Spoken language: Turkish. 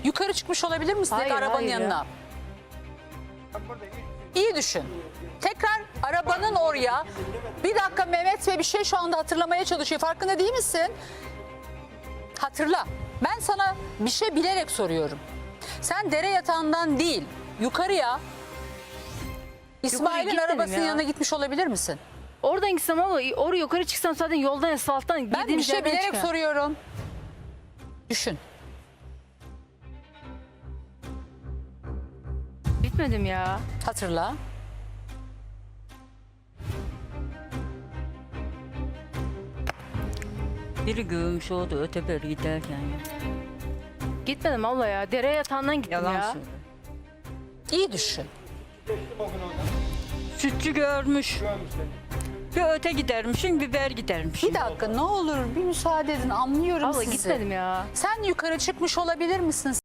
Yukarı çıkmış olabilir misin Hayır, arabanın hayır ya. yanına? İyi düşün. Tekrar arabanın oraya. Bir dakika, Mehmet Bey bir şey şu anda hatırlamaya çalışıyor. Farkında değil misin? Hatırla. Ben sana bir şey bilerek soruyorum. Sen dere yatağından değil, yukarıya İsmail'in gitmedim arabasının ya. yanına gitmiş olabilir misin? Oradan gitsem ama oraya yukarı çıksam zaten yoldan asfalttan Ben bir girdiğimiz şey yerden bilerek çıkıyorum. soruyorum. Düşün. Gitmedim ya. Hatırla. Biri göğümüş oldu öteberi giderken ya. Gitmedim abla ya. Dere yatağından gittim Yalan ya. söylüyor. İyi düşün. Sütçü görmüş. Bir öte gidermişsin, biber gidermişsin. Bir dakika, ne olur bir müsaade edin, anlıyorum Abla sizi. gitmedim ya. Sen yukarı çıkmış olabilir misin?